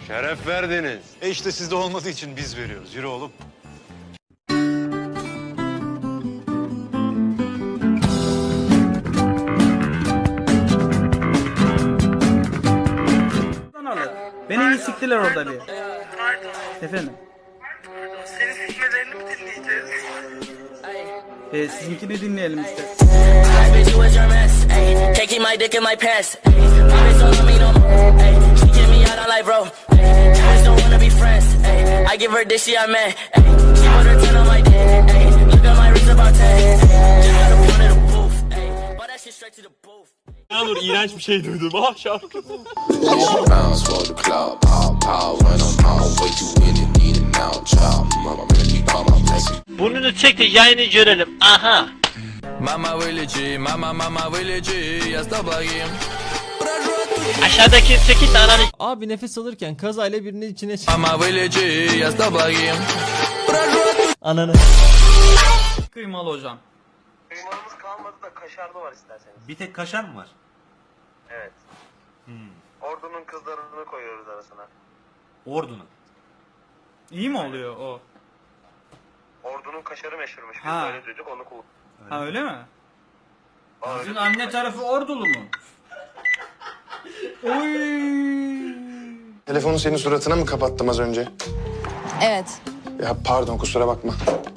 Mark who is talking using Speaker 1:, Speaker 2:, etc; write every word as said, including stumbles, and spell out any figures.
Speaker 1: Şeref verdiniz.
Speaker 2: E işte sizde olmadığı için biz veriyoruz. Yürü oğlum.
Speaker 3: Alır. Beni iyi siktiler orada bir.
Speaker 4: Pardon.
Speaker 3: Efendim.
Speaker 4: Pardon. Senin sikmelerini mi dinleyeceğiz?
Speaker 3: E, sizinkini dinleyelim işte.
Speaker 5: Bitch, you was your mess. Ayy, can't keep my dick in my pants. Ayy, my bitch don't love me no more. Ayy, she get me out on like bro. Ayy, bitch don't wanna be friends. Ayy, I give her this, she a man. Ayy, she put her ten on my dick. Ayy, look at my wrist about ten. Ayy, just got a pound of the booth. Ayy, bought that shit straight to the booth.
Speaker 6: Yağmur iğrenç bir şey duydum. Ah şarkı.
Speaker 7: Bounce for the club, pow pow, when I'm out, way too in it, need it now, child. Mama, really call my blessing.
Speaker 6: Burnunu çek de yayını görelim. Aha.
Speaker 7: Mama вылечи, mama mama вылечи, я с тобой.
Speaker 6: Aşağıdaki sekiz tane
Speaker 8: Abi nefes alırken kazayla birinin içine çık.
Speaker 7: Mama вылечи, я с тобой.
Speaker 8: Ananı.
Speaker 3: Kıymalı hocam.
Speaker 9: Kıymalımız kalmadı da kaşarlı var isterseniz.
Speaker 2: Bir tek kaşar mı var?
Speaker 9: Evet. Ordunun kızlarını koyuyoruz arasına.
Speaker 2: Ordunun.
Speaker 3: İyi mi oluyor o?
Speaker 9: Ordunun kaşarı meşhurmuş. Biz
Speaker 3: Ha.
Speaker 9: böyle duyduk onu kullandık.
Speaker 3: Ha öyle mi?
Speaker 2: Sizin anne tarafı ordulu mu?
Speaker 10: Telefonu senin suratına mı kapattım az önce?
Speaker 11: Evet.
Speaker 10: Ya pardon kusura bakma.